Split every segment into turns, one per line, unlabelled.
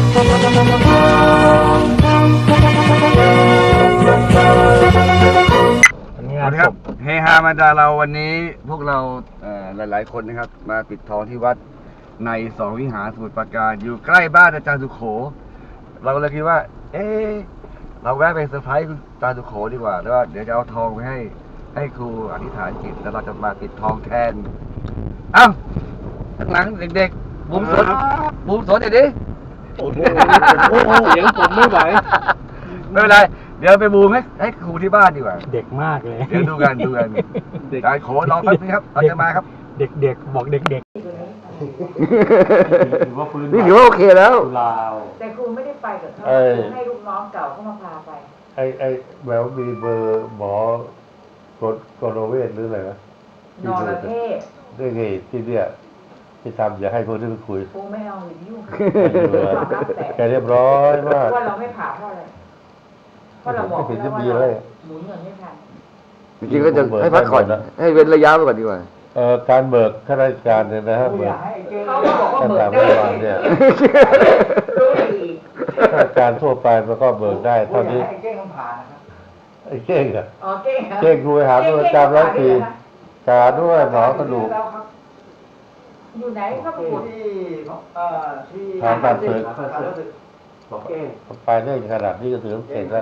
ครับเฮฮามาดาเราวันนี้พวกเราหลายๆคนนะครับมาปิดทองที่วัดในสองวิหารสมุทรปราการอยู่ใกล้บ้านอาจารย์สุโขเราเลยคิดว่าเราแวะไปเซอร์ไพรส์อาจารย์สุโขดีกว่าแล้วเดี๋ยวจะเอาทองไปให้ครูอธิษฐานจิตแล้วเราจะมาปิดทองแทนข้างหลังเด็กๆบุ้มสนเดี๋ยวดิ
โอ้โหเสียงผมไม่ไหว
ไม่เป็นไรเดี๋ยวไปบูมให้ครูที่บ้านดีกว่า
เด็กมากเลย
เดี๋ยวดูกันการขอรอแป๊บนึงครับเราจะมาครับ
เด็กบอกเด็กนี่
ถือว่าโอเคแล้ว
แต่ครูไม่ได้ไปกับเขาให้ลูกน้องเก่าเขามาพาไป
ไอ้แววมีเบอร์หมอกรเวชหรืออะไรนะ
นอร์เทศ
ได้ไงที่เนี่ยที่ทำอย่าให้คนที่ไปคุย
ครูไม่เอาอย่ายุ่ง
แกเรียบร้อยมาก
ว่าเราไม่ผ่าเพราะอะไรเพราะเราบอกแล้วว่าหมุนเงินไม่ทัน
จริงๆก็จะให้พักก่อนให้เว้นระยะไปก่อนดีกว่า
การเบิกข้าราชการเนี่ยนะฮะเบิก
ตั้งแต่
เมื่อวานเนี่ยข้าราชการทั่วไปมันก็เบิกได้เท่านี้ไอ้เก้งอะเก้งครูไปหาตัวประจำ100 ปีกาด้วยหมอกระดูก
อยู่ไหนก็ไป
ที่ทางตัดศึกไปได้ขนาดนี้ก็ถือเก่งแล้ว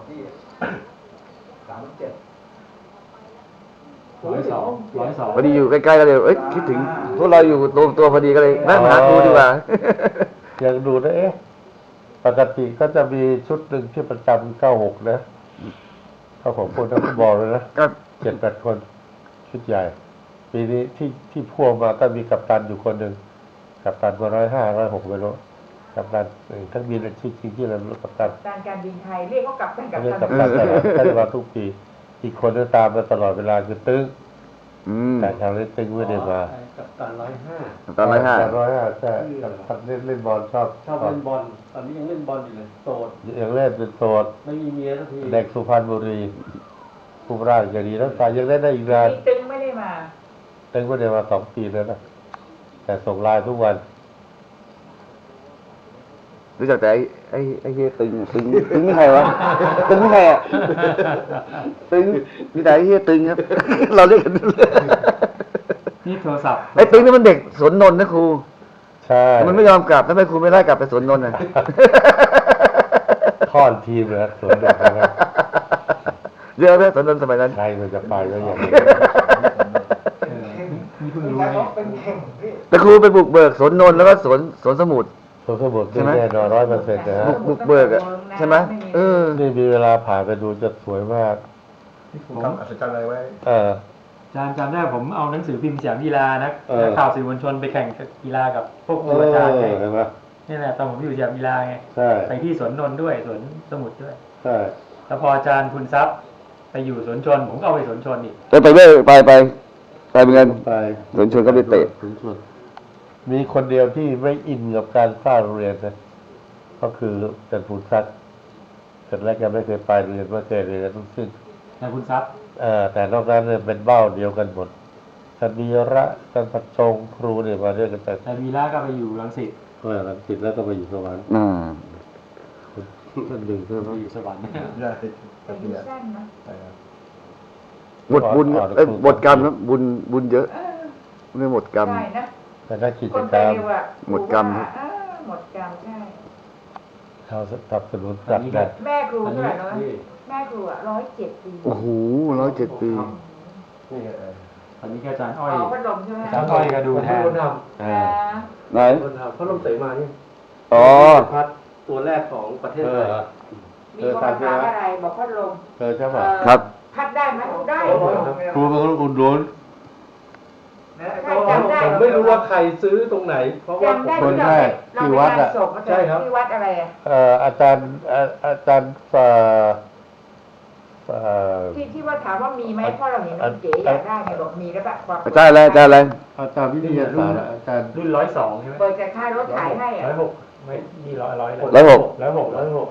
102พอดีอยู่ใกล้ๆกันเลยคิดถึงพวกเราอยู่ตรงตัวพอดีก็เลยนั่งหาครูดีกว่า
อยากดูนะปกติก็จะมีชุดหนึ่งที่ประจำ96นะเขาของคนนักฟุตบอลเลยนะ7-8 คนชุดใหญ่ปีนี้ที่พ่วงมาก็มีกัปตันอยู่คนหนึ่งกัปตันก็105-106ไม่รู้กัปตันทั้งบินชื่อจริงที่เรากัปตัน
การบินไทยเรียกเขากัปตัน
ท่านมาทุกปีอีกคนก็ตามมาตลอดเวลาคือตึ้งแต่ทางเล่นตึ้งไม่ได้มา
กัปตัน105
ใช่กัปตันเล่นบอลชอบ
เล่นบอลตอนนี้ยังเล่นบอลอยู่เลยโสด
ยังเล่นเป็นโสด
ไม่มีเมียสักที
เด็กสุพรรณบุรีผู้ร่างจะดีแล้วแต่ยังเล่นได้อีกนาน
ตึ้งไม่ได้มา
2 ปีแล้วนะแต่ส่งไลน์ทุกวัน
รู้จักแต่ไอ้เฮียตึงไม่ใครวะตึงไม่ใครอ่ะตึงมีแต่ไอ้เฮียตึงครับเราเรียกกัน
นี่โทรศัพท์
ไอ้ตึงนี่มันเด็กสวนนนท์นะครู
ใช่
มันไม่ยอมกลับทำไมครูไม่ไล่กลับไปสวนนนท์อ่ะ
ค่อนทีมเลยสวนนนท์นะครับ
เยอะไหมสวนนนท์สมัยนั้น
ใครมันจะไปก็อย่างนี้
นี่เพิ่งรู้เนี่ย
แต่ครูไปบุกเบิกสวนนนท์แล้วก็สวนสมุทร
ใช่ไหมแน่นอน100%นะฮะ
บุกเบิกอ่ะใช่ไหม
นี่มีเวลาผ่านไปดูจะสวยมาก
ที่ผมอัศจรรย์อะไรไว้จำได้ผมเอาหนังสือพิมพ์สยามกีฬานะข่าวสื่อมวลชนไปแข่งกีฬากับพวกครูอาจารย์ไงนี่แหละตอนผมอยู่สยามกีฬาไงไปที่สวนนนท์ด้วยสวนสมุทรด้วย
ใช่
แล้วพออาจารย์คุณทรัพย์ไปอยู่สวนชนผมก็เอาไปสวนชนอีก
ไปด้วยไปเหมือนกันสวนชนก็ไปเตะ
มีคนเดียวที่ไม่อินกับการสร้างโรงเรียนนะก็คืออาจารย์ภูนทรัพย์เสร็จแล้วแกไม่เคยไปเรียนไม่เคยเรียนทั้งสิ้น
อาจารย์ภูนทรัพย์
แต่นอกนั้นเนี่ยเป็นเบ้าเดียวกันหมดท่านวีระท่านพัชชงครูเนี่ยมาเรียกกันแต่
ท่านวีระก็ไปอยู่รังสิต
รังสิตแล้วก็ไปอยู่สวรรค์ท่านหนึ่ง
ไปอยู่สวรรค์
หมดบุญหมดกรรมครับบุญเยอะไม่หมดกรรม
แต่ถ้ากิจกรรม
หมดกรรม
หมดกรรมใช่
เขาสนับสนุนจัดกัน
แม่ครูเท่าไหร่นะแม่ครู107 ปี
โอ้โห107 ปี
ตอนนี้อาจารย์อ้อย
พัดลมใช่ไหม
อาจารย์อ้อยก็ดูแทน
ไหน
พัดลมเสมานี่พัดตัวแรกของประเทศไทย
มีคนถามอะไรบอกพัดลม
ใช่ป่ะ
ครับ
พัดได้ไหมได้
ครูเป็นคนอุ่นร้อน
ผมไม่รู้ว่าใครซื้อตรงไหนเพราะว่า
คนแรกที่วัดอ่ะ
ใช่ครับที่วัดอะไร
อาจารย์
ที่ว่าถามว่ามีไหมเพราะเราเห็นเก๋อยากได้ไงบอกมีแล้วแบบ
อาจารย์อะไรอาจ
ารย์วิทยาศาสตร์อาจารย์
รุ่น102ใช่ไหม
เปิดจากค่ายรถถ่ายให้
106ไม่มี106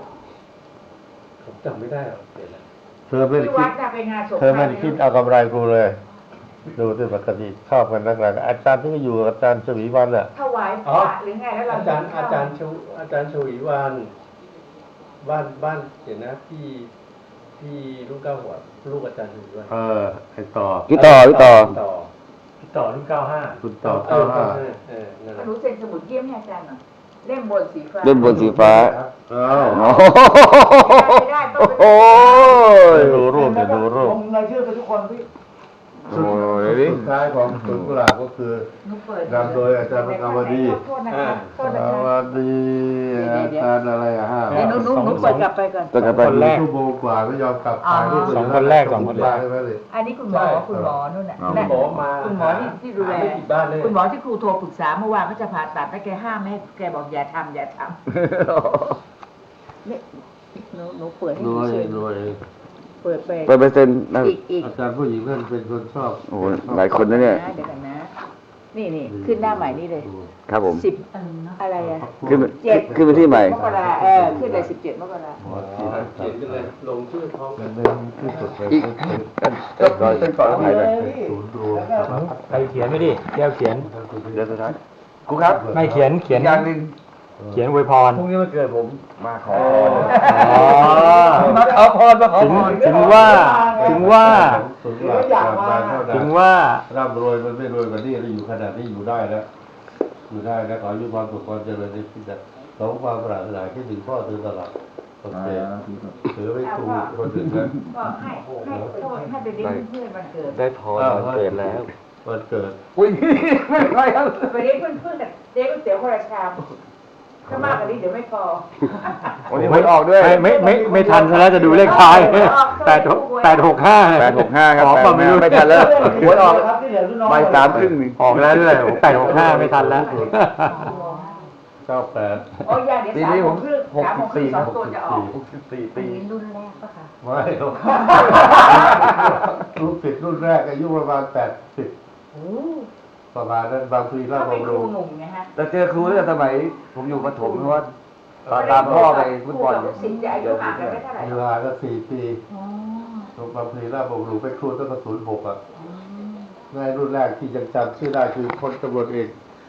ผมจำไม่ได้หรอก
เธอไม่ได้คิดเอากำไรกูเลยดูที่ปกติชอบกันนักหลักอาจารย์ที่อยู่กับอาจารย์ชวีวันอ่ะ
ถวายพระหรือไงแล้วเรา
อาจารย์ชวีวันบ้านเดี๋ยวนะพี่ลูกเก้าหัวลูกอาจารย์ชวีวัน
ไอต่อ
พี่ต่อ
พี่ต่อรุ่น95
คุณต่อ
นั่นแหละ
หนูเซ็นสมุดเยี่ยมให้อาจารย์หน่อยเล่มบนสีฟ้า
เล่มบนสีฟ้า
อ้าว
ไม่ได้ต้อง
โอ้ย
ดูรูปเดี๋ยวดูรูป
ลงรายชื่อไปทุกคนพี่
โอ้ยดิ
สุดท้ายของสวนกุหลาบก็คือ
หนูเปิด
นำโดยอาจารย์ประกาวดี
โทษนะคะโทษ
ส
นะคะ
วัสดีอาจารย์อะไรอะฮะ
เดี๋ยวหนูเปิดกลับไปก่อน
ต้องกลับไป
คนแรก
ชั่วโมงกว่าไม่ยอมกลับถ่ายรูป
สองคนแรกสองคนแรก
ได้ไหมเลย
อันนี้คุณหมอนู่นน่ะ
หมอมา
คุณหมอที่ดูแล
ไม่ผิดบ้านเลย
คุณหมอที่ครูโทรปรึกษาเมื่อวานเขาจะผ่าตัดแล้วแกห้ามไม่ให้แกบอกอย่าทำนี่หนูเปิดให้
ร
ดู
วย
เฉย
รวย
เปิดไป
ไปเปอร์เซ็นต์นะ
อีก
อาจารย์ผู้หญิงนั่นเป็นคนชอบ
โอ้โหหลายคนนะเนี่ย
เดี๋ยวกันนะ นี่ขึ้นหน้าใหม่นี่เลย
ครับผม
10อะไรอะ
ขึ้น
7
ขึ้นไปที่ใหม่
มกราขึ้นเลย17 มกรา
หมอที
เขียนไปเลยลงชื่อพร้อม
เป็นเรื่องที่สุดเลย
อีกก็เป็นก่อนแล้วไงเลย
ศูนย์รวม
ใครเขียนไม่ดิแก้วเขียน
เดี๋ยวสุดท้ายครูครับ
ไม่เขียน
อย่างหนึ่ง
เขียนอวยพร
พรุ่งนี้มันเกิดผมมาขอ
อ๋อ
มาขอพรมาขอพร
ถึงว่า
ศูนย์รวมการเท่านั้น
ถึงว่า
ร่ำรวยมันไม่รวยกว่านี้แล้วอยู่ขนาดนี้อยู่ได้แล้วอยู่ได้แล้วขอให้มีความสุขความเจริญในชีวิตสองความปรารถนาที่ถึงพ่อถึงตลอดโอเคถือไว้ครูคนอื่นนะ
ก็ให้ไปเลี้ยงเพื่อนวันเกิด
ได้พรวันเกิดแล้ว
วันเกิด
อุ้ยไม่ใช่ครับ
ไปเลี้ยงเพื่อนๆเลี้ยงก๋วยเตี๋ยวคนละชามถ้ามากกว่านี้เดี๋ยวไม่พอ
วันนี้มันออกด้วย
ไม่ทันซะแล้วจะดูเลขท้าย865
865 ครับ
ขอความไม่รู้
ไม่ทันแล้วหัวออกบ่ายสามครึ่งนี่
ออกแล้วด้วย865ไม่ทันแล้ว
98
โอ้ยอย่าเดี๋ยว
ปีนี้ผม
3 2 2ตัวจะออก
64
ปี
ปี
รุ่นแรกปะคะ
ไม่หรอกรุ่นติดรุ่นแรกอายุประมาณ80
โอ้
ประมาณนั้นบางทีเรา
ถ้าเป็น
บำ
ค
รุ
รู
ง
หนุ่มไงฮะ
แต่เจอครูตั้งแต่สมัยผมอยู่ประถมเพราะว่าตามพ่อไปฟุตบอล
ครูกับลูกศิษย์จะอายุห่างกันไม่เท่าไหร่
เวลาก็4 ปี
อ๋อ
บางทีเราบำรุงไปครูตั้งแต่06อ่ะในรุ่นแรกที่ยังจำชื่อได้คือพลตำรวจเอก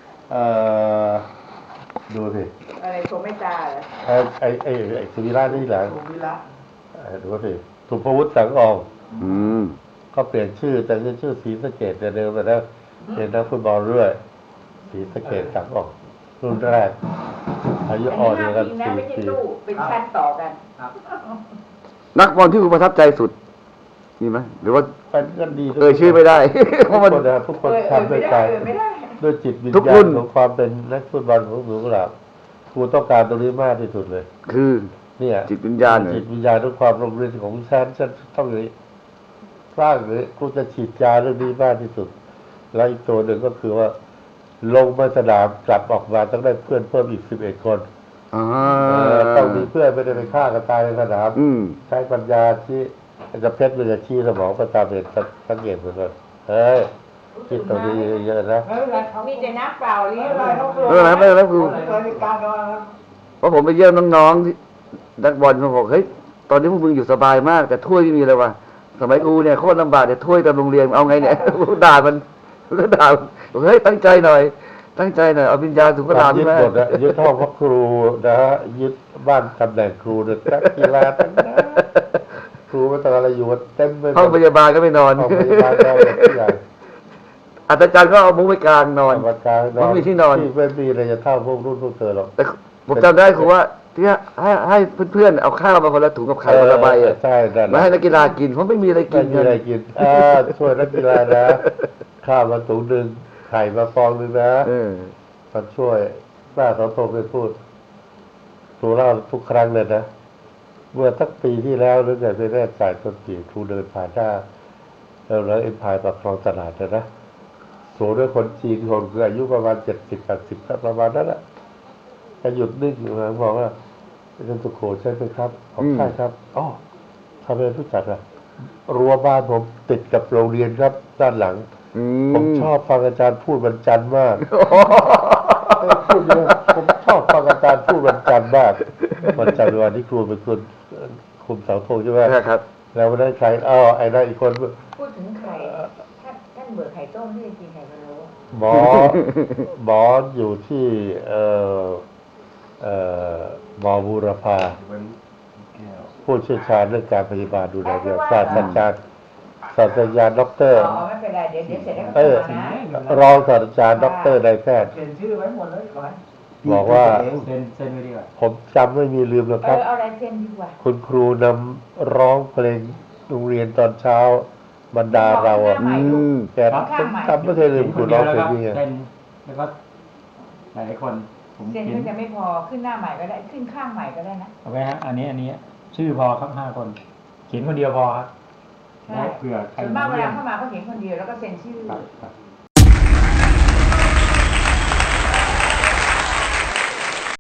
ดูสิ
อะไรโชว์ไม่ตาเหรอ
ไอ้สุวิระนี่แหละ
โชว์วิระ
ดูสิสุภวุฒิสังออง
อืม
ก็เปลี่ยนชื่อแต่ชื่อศรีสะเกดแต่เดิมแต่แล้วเป็นนักฟุตบอลด้วยศรีสะเกดสังอองรุ่นแรกอายุอ่อนเดียวกัน
นะไม่ใช่
4 ปี
ตู้เป็นชั้นต่อกัน
นักบอลที่คุณประทับใจสุดมีไหมหรือว่า
เป็นก็ดี
ชื่อไม่ได้ เพ
ทุ
ราะ
ก
มัน
คนนะทุกคนทำด้วยใจ
ไม่ได้
ด้วยจิตวิญ
ทุก
ญา
รุ่
ณ
น
ของความเป็นนักฟุตบอลของหนูกุหลาบครูต้องการตรงนี้มากที่สุดเลย
คือ
เนี่ย
จิตวิญญาณเหรอ
จิตวิญญาณทุกความโรงเรียนของฉันต้องเลยสร้างเลยครูจะฉีดยาเรื่องนี้มากที่สุด แล้วอีกตัวหนึ่งก็คือว่า ลงมาสนามกลับออกมาต้องได้เพื่อนเพิ่มอีก11 คน
อ่า
ต้องมีเพื่อนไม่ได้ไปฆ่ากันตายในสนาม
อืม
ใช้ปัญญาที่จะเพชรมันจะชี้สมองประตามเห็นสังเกตเหมือนกันเฮ้ยคิดตรงนี้เยอะๆนะ
มีแต่น้ำเปล่าเลี้ยงเลย
ไม่เป็นไรครูเพราะผมไปเยี่ยมน้องๆที่นักบอลเขาบอกเฮ้ยตอนนี้พวกมึงอยู่สบายมาก แต่ถ้วยไม่มีเลยว่ะสมัยกูเนี่ยโคตรลำบากแต่ถ้วยตามโรงเรียนเอาไงเนี่ย ด่ามันก็ด่าบอกเฮ้ยตั้งใจหน่อย ตั้งใจหน่อยเอาวิญญาณสุขลาภ
ยึด
ใช่ไหม
หมดนะยึดห้องพักครูนะฮะยึดบ้านตำแหน่งครูเนี่ยนักกีฬาทั้งนั้นครูไม่ต้องอะไรอยู่กันเต็มไปหมด
ห้องพยาบาลก็ไม่นอน
ห้องพยาบาลนอนทุกอย่าง
อาจารย์ก็เอามุ้งไปกลางนอน
ปากกลางนอน
ไม่มีที่นอน
ที่ไม่มีอะไรจะเท่าพวกรุ่นพวกเธอหรอก
แต่ผมจำได้คือว่าที่ให้เพื่อนๆเอาข้าวมาคนละถุงกับไข่คนละใบอ่ะ
ใช่นั่นแห
มา
ละ
ให้นักกีฬากินเพราะไม่มีอะไรกิ
ไม่
น
มีอะไรกินช่วยนักกีฬานะข้าวมาถุงหนึ่งไข่มาฟองหนึ่งนะ
เออ
มันช่วยป้าเขาโทรไปพูดครูเล่าทุกครั้งเลยนะ เมื่อสักปีที่แล้วหรือไงไม่แน่ใจต้นปีครูเดินผ่านหน้าแล้วเอ็มพายปากคลองตลาดนะโสด้วยคนจีนคนคืออายุประมาณ70-80ครับประมาณนั้นแหละก็หยุดนิ่งอยู่นะบอกว่าเป็นสุโขใช่ไหมครับผมใช่ครับอ๋อทำไมรู้จักอ่ะรั้วบ้านผมติดกับโรงเรียนครับ ด้านหลัง ผมชอบฟังอาจารย์พูดวันจันทร์มากพูดเยอะผมชอบฟังอาจารย์พูดวันจันทร์มากวันจันทร์วันที่ครูเป็นคนคุมเสาธงใช่ไหม
ครับ
แล้ววันนั้นใครไอ้นั่นอีกคน
พูดถึงใครท่านานเบื่อไข่ต้มที่จะกินไข่พะโล้
หมออยู่ที่หมอบูรพาผู้เชี่ยวชาญเรื่องการพยาบาลดูแลเด็กศาสตราจารย์ด็อกเตอร์
ไม่เป็นไรเดี๋ยวเสร็จแล้วก็นะ
รองศาสตราจารย์ด็อกเตอร์นายแพทย์
เซ็นชื่อไว้หมดเลยก่อน
บอกว่า
เซ็นไว้ดีกว่า
ผมจำไม่มีลืมหรอกครับ
เอาอะไรเซ็นดีกว่า
คุณครูนำร้องเพลงโรงเรียนตอนเช้าบรรดาเราอ่ะแกผมจำไม่เคยลืมครูร้องเพลงนี้
เซ็นแล้วก็หลายคนผม
เซ็น
เขีย
ก็
น
จะไม่พอขึ้นหน้าใหม่ก็ได้ขึ้นข้างใหม่ก็ได้นะ
เอาไว้ฮะอันนี้ชื่อพอครับ5 คน เขียนคนเดียวพอครับ
ใช่
เผื่อใคร
ส่วนมากเวลาเข้ามาก็เขียนคนเดียวแล้วก็เซ็นชื่อ
ครับ